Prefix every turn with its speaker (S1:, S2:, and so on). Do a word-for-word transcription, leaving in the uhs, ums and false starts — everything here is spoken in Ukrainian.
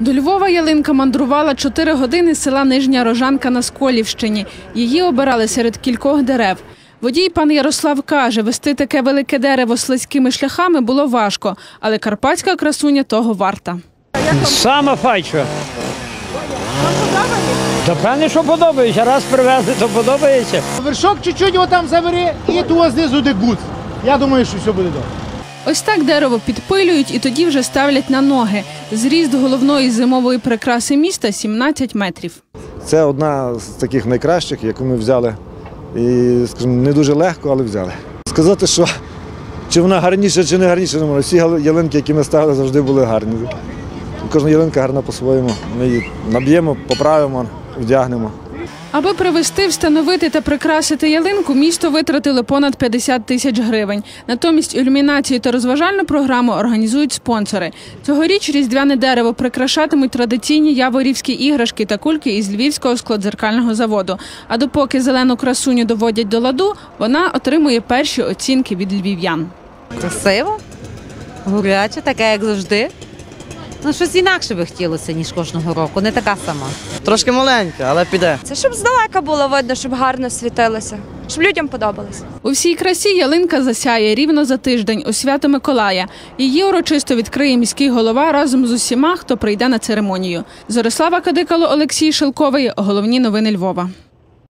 S1: До Львова ялинка мандрувала чотири години з села Нижня Рожанка на Сколівщині. Її обирали серед кількох дерев. Водій пан Ярослав каже, вести таке велике дерево слизькими шляхами було важко, але карпатська красуня того варта.
S2: Саме файче. Вам подобається? Та певне, що подобається. Раз привезли, то подобається.
S3: Вершок чуть-чуть отам забери і туди знизу де гуц. Я думаю, що все буде добре.
S1: Ось так дерево підпилюють і тоді вже ставлять на ноги. Зріст головної зимової прикраси міста – сімнадцять метрів.
S4: Це одна з таких найкращих, яку ми взяли. І, скажімо, не дуже легко, але взяли. Сказати, що чи вона гарніша, чи не гарніша, не можу. Всі ялинки, які ми ставили, завжди були гарні. Кожна ялинка гарна по-своєму. Ми її наб'ємо, поправимо, вдягнемо.
S1: Аби привезти, встановити та прикрасити ялинку, місто витратило понад п'ятдесят тисяч гривень. Натомість ілюмінацію та розважальну програму організують спонсори. Цьогоріч різдвяне дерево прикрашатимуть традиційні яворівські іграшки та кульки із Львівського складзеркального заводу. А допоки зелену красуню доводять до ладу, вона отримує перші оцінки від львів'ян.
S5: Красиво, гуряче, таке, як завжди. Ну, щось інакше би хотілося, ніж кожного року, не така сама.
S6: Трошки маленька, але піде.
S7: Це щоб здалека було видно, щоб гарно світилося, щоб людям подобалось.
S1: У всій красі ялинка засяє рівно за тиждень у свято Миколая. Її урочисто відкриє міський голова разом з усіма, хто прийде на церемонію. Зорислава Кадикало, Олексій Шелковий. Головні новини Львова.